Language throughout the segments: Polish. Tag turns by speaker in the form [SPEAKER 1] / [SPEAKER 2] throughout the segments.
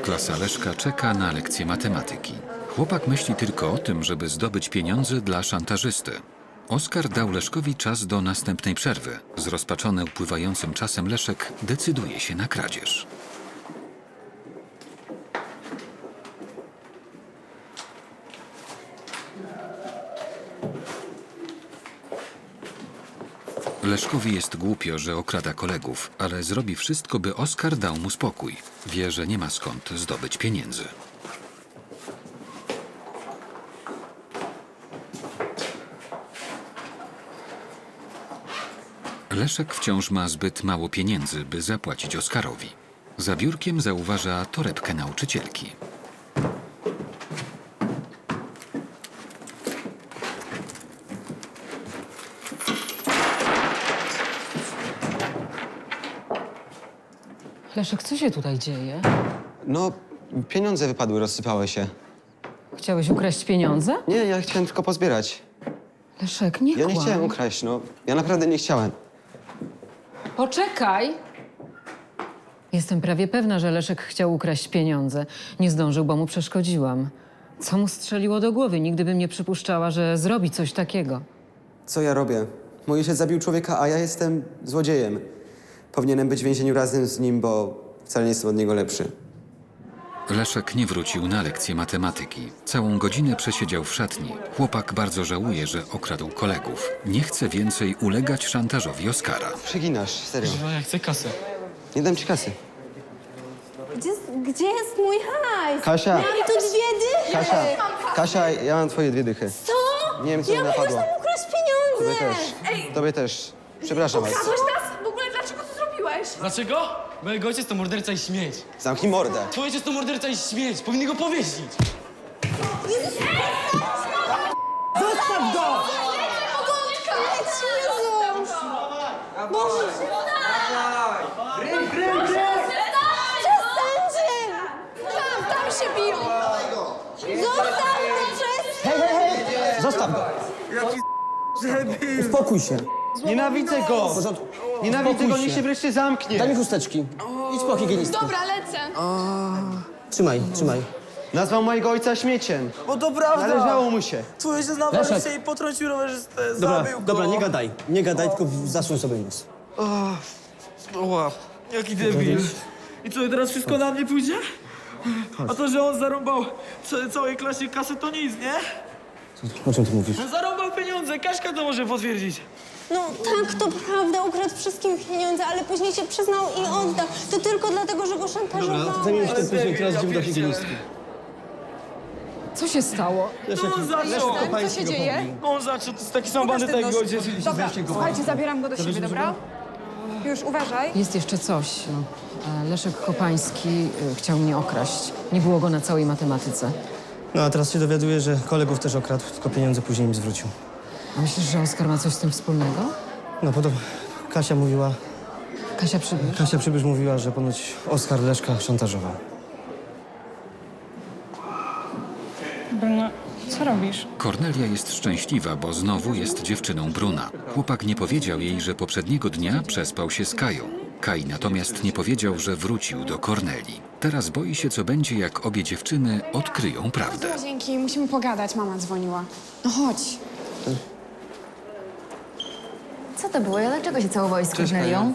[SPEAKER 1] Klasa Leszka czeka na lekcję matematyki. Chłopak myśli tylko o tym, żeby zdobyć pieniądze dla szantażysty. Oskar dał Leszkowi czas do następnej przerwy. Zrozpaczony upływającym czasem Leszek decyduje się na kradzież. Leszkowi jest głupio, że okrada kolegów, ale zrobi wszystko, by Oskar dał mu spokój. Wie, że nie ma skąd zdobyć pieniędzy. Leszek wciąż ma zbyt mało pieniędzy, by zapłacić Oskarowi. Za biurkiem zauważa torebkę nauczycielki.
[SPEAKER 2] Leszek, co się tutaj dzieje?
[SPEAKER 3] No, pieniądze wypadły, rozsypały się.
[SPEAKER 2] Chciałeś ukraść pieniądze?
[SPEAKER 3] Nie, ja chciałem tylko pozbierać.
[SPEAKER 2] Leszek, nie
[SPEAKER 3] Ja nie
[SPEAKER 2] kłam.
[SPEAKER 3] chciałem ukraść, no. Ja naprawdę nie chciałem.
[SPEAKER 2] Poczekaj! Jestem prawie pewna, że Leszek chciał ukraść pieniądze. Nie zdążył, bo mu przeszkodziłam. Co mu strzeliło do głowy? Nigdy bym nie przypuszczała, że zrobi coś takiego.
[SPEAKER 3] Co ja robię? Mój ojciec zabił człowieka, a ja jestem złodziejem. Powinienem być w więzieniu razem z nim, bo wcale nie jestem od niego lepszy.
[SPEAKER 1] Leszek nie wrócił na lekcję matematyki. Całą godzinę przesiedział w szatni. Chłopak bardzo żałuje, że okradł kolegów. Nie chce więcej ulegać szantażowi Oskara.
[SPEAKER 3] Przeginasz, serio.
[SPEAKER 4] No, ja chcę kasę.
[SPEAKER 3] Nie dam ci kasy.
[SPEAKER 5] Gdzie jest mój hajs?
[SPEAKER 3] Kasia!
[SPEAKER 5] Mam tu 2 dychy!
[SPEAKER 3] Kasia, ja mam twoje 2 dychy.
[SPEAKER 5] Co?
[SPEAKER 3] Nie wiem, co mi
[SPEAKER 5] Ja
[SPEAKER 3] napadło.
[SPEAKER 5] mogę ukraść
[SPEAKER 3] Tobie
[SPEAKER 5] pieniądze!
[SPEAKER 3] też. Tobie też. Przepraszam was.
[SPEAKER 6] Ukradłeś nas? W ogóle dlaczego to zrobiłeś?
[SPEAKER 4] Dlaczego? Bo jego ojciec to morderca i śmieć.
[SPEAKER 3] Zamknij mordę.
[SPEAKER 4] Twój ojciec to morderca i śmieć. Powinni go powiesić.
[SPEAKER 5] Zostaw go! Boże! Przestańcie!
[SPEAKER 6] Tam się biją!
[SPEAKER 5] Zostaw mnie!
[SPEAKER 7] Zostaw go! Uspokój się.
[SPEAKER 3] Nienawidzę go! Nienawidzę go, niech się wreszcie zamknie.
[SPEAKER 7] Daj mi chusteczki. Idź po higienistkę.
[SPEAKER 6] Dobra, lecę.
[SPEAKER 7] Trzymaj, trzymaj.
[SPEAKER 3] Nazwał mojego ojca śmieciem.
[SPEAKER 8] Bo to prawda!
[SPEAKER 3] Należało mu się.
[SPEAKER 8] Twój ojciec nawalił
[SPEAKER 7] Leszek.
[SPEAKER 8] się i potrącił rowerzystę,
[SPEAKER 7] Dobra,
[SPEAKER 8] zabił go.
[SPEAKER 7] dobra, nie gadaj. Nie gadaj, tylko zasłoń sobie nos.
[SPEAKER 8] Oła, jaki debil. I co, teraz wszystko na mnie pójdzie? A to, że on zarąbał całej klasie kasę, to nic, nie?
[SPEAKER 7] O czym ty mówisz?
[SPEAKER 8] No zarąbał pieniądze, Kaśka to może potwierdzić.
[SPEAKER 5] No tak, to prawda, ukradł wszystkim pieniądze, ale później się przyznał i oddał. To tylko dlatego, że go szantażowałeś.
[SPEAKER 7] Zajmiemy się tym później, teraz idziemy do higienistki.
[SPEAKER 2] Co się stało?
[SPEAKER 8] No on zaczął.
[SPEAKER 6] Co się dzieje?
[SPEAKER 8] On zaczął, to jest taki sam bandyta jak go ojciec.
[SPEAKER 6] Dobra, słuchajcie, zabieram go do siebie, dobra? Już uważaj.
[SPEAKER 2] Jest jeszcze coś. Leszek Kopański chciał mnie okraść. Nie było go na całej matematyce.
[SPEAKER 7] No a teraz się dowiaduję, że kolegów też okradł, tylko pieniądze później im zwrócił.
[SPEAKER 2] A myślisz, że Oskar ma coś z tym wspólnego?
[SPEAKER 7] No podobno Kasia mówiła,
[SPEAKER 2] Kasia Przybysz?
[SPEAKER 7] Kasia Przybysz mówiła, że ponoć Oskar Leszka szantażował.
[SPEAKER 6] Bruno, co robisz?
[SPEAKER 1] Kornelia jest szczęśliwa, bo znowu jest dziewczyną Bruna. Chłopak nie powiedział jej, że poprzedniego dnia przespał się z Kają. Kaj natomiast nie powiedział, że wrócił do Kornelii. Teraz boi się, co będzie, jak obie dziewczyny odkryją prawdę.
[SPEAKER 6] Dzięki, musimy pogadać, mama dzwoniła. No chodź.
[SPEAKER 9] Co to było? Dlaczego się całowałeś z Kornelią?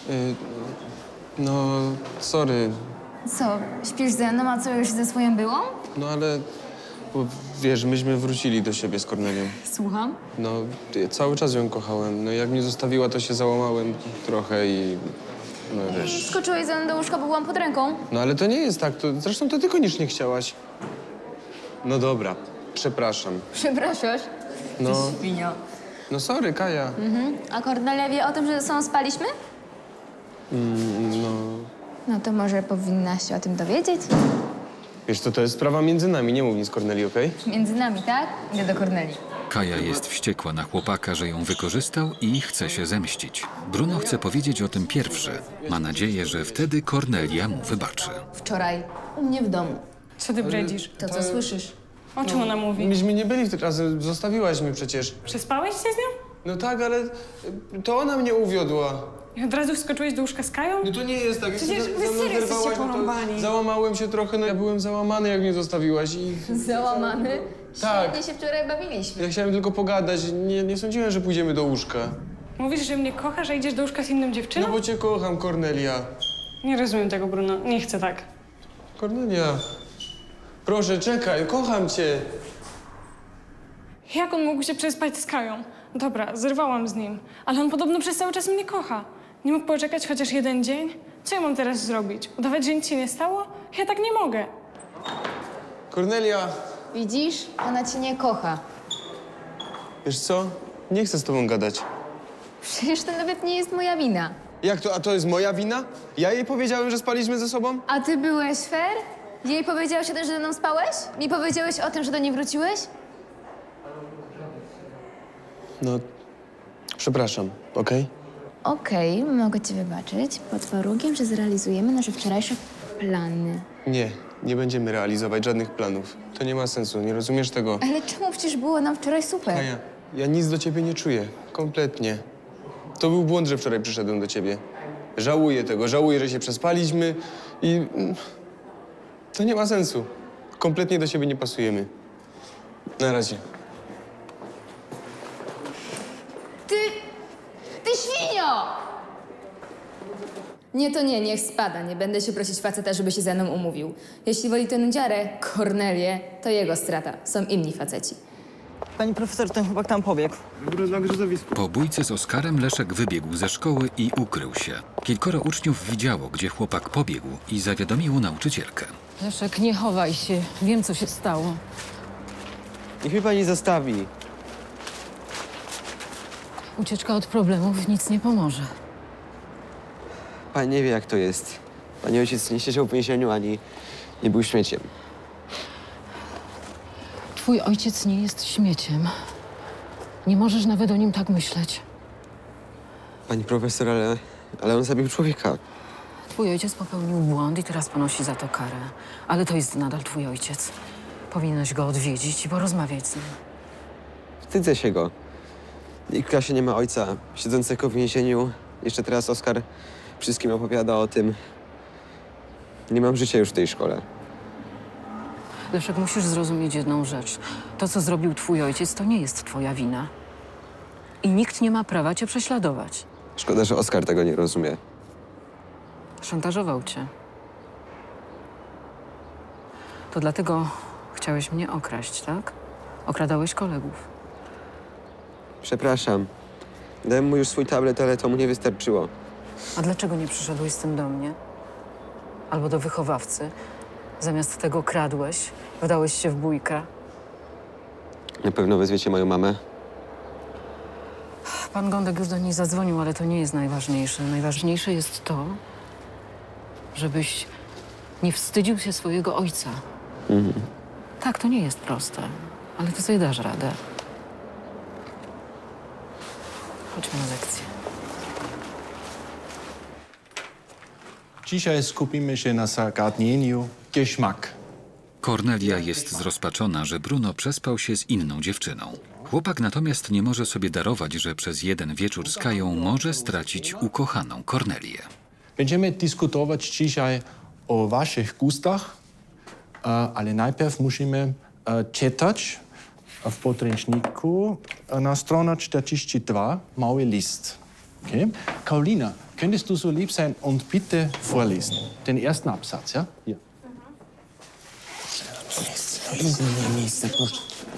[SPEAKER 10] No, sorry.
[SPEAKER 9] Co, śpisz ze mną, a co już ze swoją byłą?
[SPEAKER 10] No ale, bo wiesz, myśmy wrócili do siebie z Kornelią.
[SPEAKER 9] Słucham.
[SPEAKER 10] No, ja cały czas ją kochałem. No jak mnie zostawiła, to się załamałem trochę i... No wiesz.
[SPEAKER 9] Skoczyłeś ze mną do łóżka, bo byłam pod ręką.
[SPEAKER 10] No ale to nie jest tak. Zresztą to ty koniecznie chciałaś. No dobra, przepraszam.
[SPEAKER 9] Przepraszasz?
[SPEAKER 10] No,
[SPEAKER 9] Świnio.
[SPEAKER 10] no sorry, Kaja.
[SPEAKER 9] A Kornelia wie o tym, że ze sobą spaliśmy?
[SPEAKER 10] No,
[SPEAKER 9] No to może powinnaś się o tym dowiedzieć?
[SPEAKER 10] wiesz co, to jest sprawa między nami. Nie mów nic Korneli, okej?
[SPEAKER 9] Między nami, tak? Idę do Korneli.
[SPEAKER 1] Kaja jest wściekła na chłopaka, że ją wykorzystał i chce się zemścić. Bruno chce powiedzieć o tym pierwszy. Ma nadzieję, że wtedy Kornelia mu wybaczy.
[SPEAKER 9] Wczoraj u mnie w domu.
[SPEAKER 6] Co ty bredzisz?
[SPEAKER 9] To co słyszysz?
[SPEAKER 6] O czym ona mówi?
[SPEAKER 10] Myśmy nie byli wtedy razem, zostawiłaś mnie przecież.
[SPEAKER 6] Przespałeś się z nią?
[SPEAKER 10] No tak, ale to ona mnie uwiodła.
[SPEAKER 6] I od razu wskoczyłeś do łóżka z Kają?
[SPEAKER 10] No to nie jest tak. Jak
[SPEAKER 6] Przecież
[SPEAKER 10] się
[SPEAKER 6] wy
[SPEAKER 10] ze mną
[SPEAKER 6] serio jesteście
[SPEAKER 10] zerwałaś, no to
[SPEAKER 6] porąbani.
[SPEAKER 10] załamałem się trochę, no ja byłem załamany, jak mnie zostawiłaś i...
[SPEAKER 9] Załamany?
[SPEAKER 10] Tak.
[SPEAKER 9] Świetnie się wczoraj bawiliśmy.
[SPEAKER 10] Ja chciałem tylko pogadać, nie sądziłem, że pójdziemy do łóżka.
[SPEAKER 6] Mówisz, że mnie kochasz, a idziesz do łóżka z inną dziewczyną?
[SPEAKER 10] No bo cię kocham, Kornelia.
[SPEAKER 6] Nie rozumiem tego, Bruno. Nie chcę tak.
[SPEAKER 10] Kornelia, proszę, czekaj, kocham cię.
[SPEAKER 6] Jak on mógł się przespać z Kają? Dobra, zerwałam z nim, ale on podobno przez cały czas mnie kocha. Nie mógł poczekać chociaż jeden dzień? Co ja mam teraz zrobić? Udawać, że nic się nie stało? Ja tak nie mogę.
[SPEAKER 10] Kornelia,
[SPEAKER 9] Widzisz? Ona cię nie kocha.
[SPEAKER 10] wiesz co? Nie chcę z tobą gadać.
[SPEAKER 9] Przecież to nawet nie jest moja wina.
[SPEAKER 10] Jak to? A to jest moja wina? Ja jej powiedziałem, że spaliśmy ze sobą?
[SPEAKER 9] A ty byłeś fair? Jej powiedziałeś o tym, że ze mną spałeś? Mi powiedziałeś o tym, że do niej wróciłeś?
[SPEAKER 10] No, przepraszam, okej?
[SPEAKER 9] Okej, mogę ci wybaczyć, pod warunkiem, że zrealizujemy nasze wczorajsze plany.
[SPEAKER 10] Nie będziemy realizować żadnych planów. To nie ma sensu, nie rozumiesz tego?
[SPEAKER 9] Ale czemu? Przecież było nam wczoraj super.
[SPEAKER 10] Kaja, ja nic do ciebie nie czuję. Kompletnie. To był błąd, że wczoraj przyszedłem do ciebie. Żałuję tego, żałuję, że się przespaliśmy i... To nie ma sensu. Kompletnie do siebie nie pasujemy. Na razie.
[SPEAKER 9] Ty świnio! Nie, to nie, niech spada. Nie będę się prosić faceta, żeby się ze mną umówił. Jeśli woli tę nudziarę, Kornelię, to jego strata. Są inni faceci.
[SPEAKER 7] Pani profesor, ten chłopak tam pobiegł.
[SPEAKER 1] Po bójce z Oskarem Leszek wybiegł ze szkoły i ukrył się. Kilkoro uczniów widziało, gdzie chłopak pobiegł i zawiadomiło nauczycielkę.
[SPEAKER 2] Leszek, nie chowaj się. Wiem, co się stało.
[SPEAKER 3] Niech mnie pani zostawi.
[SPEAKER 2] Ucieczka od problemów nic nie pomoże.
[SPEAKER 3] Pani nie wie, jak to jest. Pani ojciec nie siedział w więzieniu, ani nie był śmieciem.
[SPEAKER 2] Twój ojciec nie jest śmieciem. Nie możesz nawet o nim tak myśleć.
[SPEAKER 3] Pani profesor, ale on zabił człowieka.
[SPEAKER 2] Twój ojciec popełnił błąd i teraz ponosi za to karę. Ale to jest nadal twój ojciec. Powinieneś go odwiedzić i porozmawiać z nim.
[SPEAKER 3] Wstydzę się go. Nikt w klasie nie ma ojca siedzącego w więzieniu. Jeszcze teraz Oskar wszystkim opowiada o tym. Nie mam życia już w tej szkole.
[SPEAKER 2] Leszek, musisz zrozumieć jedną rzecz. To, co zrobił twój ojciec, to nie jest twoja wina. I nikt nie ma prawa cię prześladować.
[SPEAKER 3] Szkoda, że Oskar tego nie rozumie.
[SPEAKER 2] Szantażował cię. To dlatego chciałeś mnie okraść, tak? Okradałeś kolegów.
[SPEAKER 3] Przepraszam. Dałem mu już swój tablet, ale to mu nie wystarczyło.
[SPEAKER 2] A dlaczego nie przyszedłeś z tym do mnie? Albo do wychowawcy? Zamiast tego kradłeś, wdałeś się w bójkę.
[SPEAKER 3] Na pewno wezwiecie moją mamę.
[SPEAKER 2] Pan Gądek już do niej zadzwonił, ale to nie jest najważniejsze. Najważniejsze jest to, żebyś nie wstydził się swojego ojca. Tak, to nie jest proste, ale ty sobie dasz radę. Chodźmy na lekcję.
[SPEAKER 11] Dzisiaj skupimy się na zagadnieniu Geschmack.
[SPEAKER 1] Kornelia jest zrozpaczona, że Bruno przespał się z inną dziewczyną. Chłopak natomiast nie może sobie darować, że przez jeden wieczór z Kają może stracić ukochaną Kornelię.
[SPEAKER 11] Będziemy dyskutować dzisiaj o waszych gustach, ale najpierw musimy czytać w podręczniku na stronę 42 mały list. Okay? Karolina, könntest du so lieb sein und bitte vorlesen? Den ersten Absatz, ja? Hier.
[SPEAKER 10] Miejsce, proszę.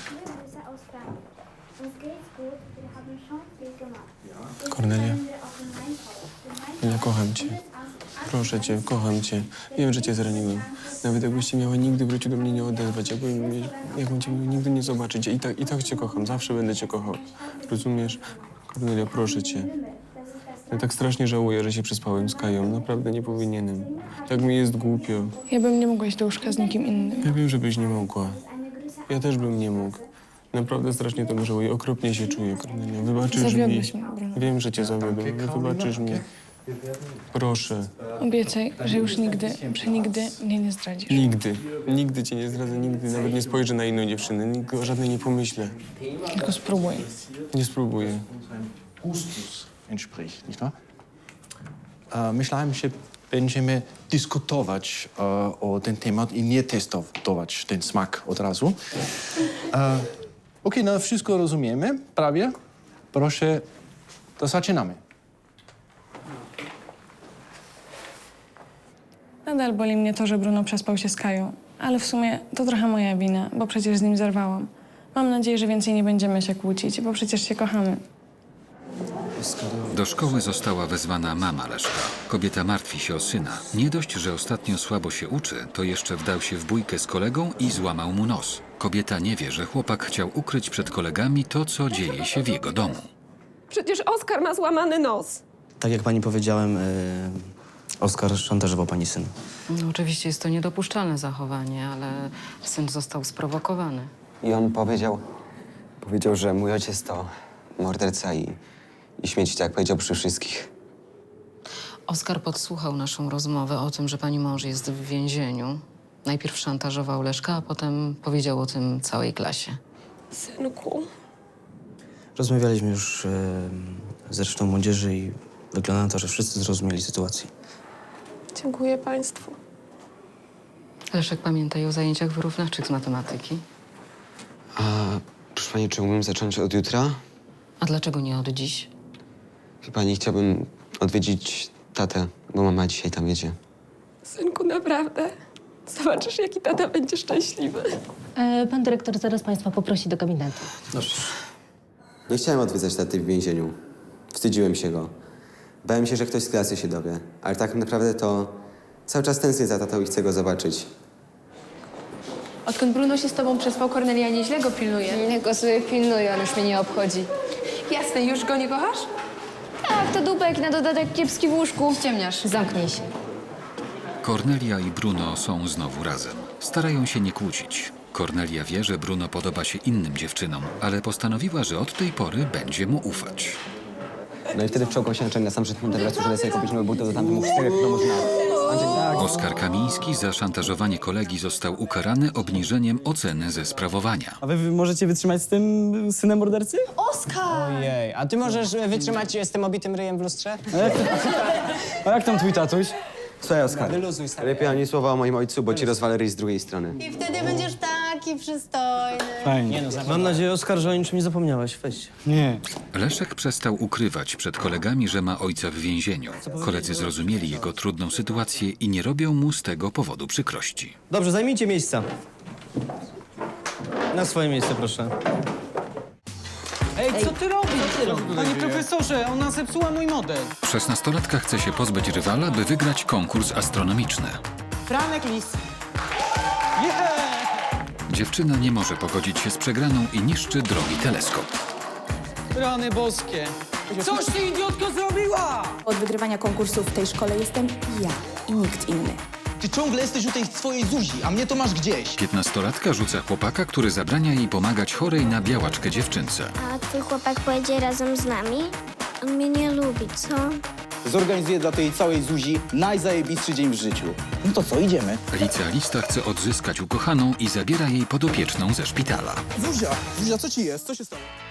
[SPEAKER 10] Kornelia, ja kocham cię. Proszę cię, kocham cię. Wiem, że cię zraniłem. Nawet jakbyś się miała nigdy w życiu do mnie nie odezwać, jakbym cię miał nigdy nie zobaczyć. I tak cię kocham, zawsze będę cię kochał. Rozumiesz? Kornelia, proszę cię. Ja tak strasznie żałuję, że się przespałem z Kają. Naprawdę nie powinienem. Tak mi jest głupio.
[SPEAKER 6] Ja bym nie mogła iść do łóżka z nikim innym.
[SPEAKER 10] Ja wiem, żebyś nie mogła. Ja też bym nie mógł. Naprawdę strasznie to żałuję. Okropnie się czuję, Kornelia. Wybaczysz mi.
[SPEAKER 6] Zawiodłeś mnie, Bruno.
[SPEAKER 10] Wiem, że cię zawiodłem, ale wybaczysz mi. Proszę.
[SPEAKER 6] Obiecaj, że już nigdy, przenigdy mnie nie zdradzisz.
[SPEAKER 10] Nigdy. Nigdy cię nie zdradzę, nigdy. Nawet nie spojrzę na inną dziewczynę. Nigdy o żadnej nie pomyślę.
[SPEAKER 6] Tylko spróbuj.
[SPEAKER 10] Nie spróbuję.
[SPEAKER 11] Gustus entspricht, nicht wahr? myślałem, że będziemy dyskutować o ten temat i nie testować ten smak od razu. Okej, no wszystko rozumiemy, prawie. Proszę, to zaczynamy.
[SPEAKER 6] Nadal boli mnie to, że Bruno przespał się z Kają. Ale w sumie to trochę moja wina, bo przecież z nim zerwałam. Mam nadzieję, że więcej nie będziemy się kłócić, bo przecież się kochamy.
[SPEAKER 1] Do szkoły została wezwana mama Leszka. Kobieta martwi się o syna. Nie dość, że ostatnio słabo się uczy, to jeszcze wdał się w bójkę z kolegą i złamał mu nos. Kobieta nie wie, że chłopak chciał ukryć przed kolegami to, co dzieje się w jego domu.
[SPEAKER 12] Przecież Oskar ma złamany nos.
[SPEAKER 7] Tak jak pani powiedziałem, Oskar szantażował pani syn.
[SPEAKER 2] No, oczywiście jest to niedopuszczalne zachowanie, ale syn został sprowokowany.
[SPEAKER 3] I on powiedział, że mój ojciec to morderca i śmieci, tak jak powiedział przy wszystkich.
[SPEAKER 2] Oskar podsłuchał naszą rozmowę o tym, że pani mąż jest w więzieniu. Najpierw szantażował Leszka, a potem powiedział o tym całej klasie.
[SPEAKER 12] Synku.
[SPEAKER 7] Rozmawialiśmy już z resztą młodzieży i wygląda na to, że wszyscy zrozumieli sytuację.
[SPEAKER 12] Dziękuję państwu.
[SPEAKER 2] Leszek, pamiętaj o zajęciach wyrównawczych z matematyki.
[SPEAKER 3] A proszę pani, czy mógłbym zacząć od jutra?
[SPEAKER 2] A dlaczego nie od dziś?
[SPEAKER 3] Wie pani, chciałbym odwiedzić tatę, bo mama dzisiaj tam jedzie.
[SPEAKER 12] Synku, naprawdę. Zobaczysz, jaki tata będzie szczęśliwy.
[SPEAKER 5] Pan dyrektor zaraz państwa poprosi do gabinetu.
[SPEAKER 3] Nie chciałem odwiedzać taty w więzieniu. Wstydziłem się go. Bałem się, że ktoś z klasy się dowie. Ale tak naprawdę to cały czas tęsknię za tatą i chcę go zobaczyć.
[SPEAKER 9] Odkąd Bruno się z tobą przespał, Kornelia nieźle go pilnuje.
[SPEAKER 5] Niech go sobie pilnuje, on już mnie nie obchodzi.
[SPEAKER 9] Jasne, już go nie kochasz?
[SPEAKER 5] Tak, to dupek na dodatek kiepski w łóżku.
[SPEAKER 9] Ściemniasz.
[SPEAKER 5] Zamknij się.
[SPEAKER 1] Kornelia i Bruno są znowu razem. Starają się nie kłócić. Kornelia wie, że Bruno podoba się innym dziewczynom, ale postanowiła, że od tej pory będzie mu ufać.
[SPEAKER 3] No i wtedy wczołgał się na sam przed Monteversu, żeby sobie kupić nowe buty do tamtych 4 no można.
[SPEAKER 1] Oskar Kamiński za szantażowanie kolegi został ukarany obniżeniem oceny ze sprawowania.
[SPEAKER 8] A wy możecie wytrzymać z tym synem mordercy?
[SPEAKER 5] Oskar!
[SPEAKER 8] Ojej, a ty możesz wytrzymać z tym obitym ryjem w lustrze? A jak tam twój tatuś?
[SPEAKER 3] Słuchaj, Oskar,
[SPEAKER 8] Wyluzuj, stary.
[SPEAKER 3] lepiej ani słowa o moim ojcu, bo ci rozwalę ryj z drugiej strony.
[SPEAKER 5] I wtedy będziesz taki przystojny.
[SPEAKER 8] Fajnie.
[SPEAKER 7] Mam nadzieję, Oskar, że o niczym nie zapomniałeś. Weź.
[SPEAKER 8] Nie.
[SPEAKER 1] Leszek przestał ukrywać przed kolegami, że ma ojca w więzieniu. Koledzy zrozumieli jego trudną sytuację i nie robią mu z tego powodu przykrości.
[SPEAKER 7] Dobrze, zajmijcie miejsca. Na swoje miejsce, proszę.
[SPEAKER 8] Ej, co ty robisz? Panie profesorze, ona zepsuła mój model.
[SPEAKER 1] 16-latka chce się pozbyć rywala, by wygrać konkurs astronomiczny.
[SPEAKER 8] Franek lis.
[SPEAKER 1] Dziewczyna nie może pogodzić się z przegraną i niszczy drogi teleskop.
[SPEAKER 8] Rany boskie. Coś ty, idiotko, zrobiła!
[SPEAKER 9] Od wygrywania konkursów w tej szkole jestem ja i nikt inny.
[SPEAKER 13] Ty ciągle jesteś u tej swojej Zuzi, a mnie to masz gdzieś.
[SPEAKER 1] 15-latka rzuca chłopaka, który zabrania jej pomagać chorej na białaczkę dziewczynce.
[SPEAKER 5] A twój chłopak pojedzie razem z nami? On mnie nie lubi, co?
[SPEAKER 13] Zorganizuję dla tej całej Zuzi najzajebistszy dzień w życiu. No to co, idziemy?
[SPEAKER 1] Licealista chce odzyskać ukochaną i zabiera jej podopieczną ze szpitala.
[SPEAKER 13] Zuzia, co ci jest? Co się stało?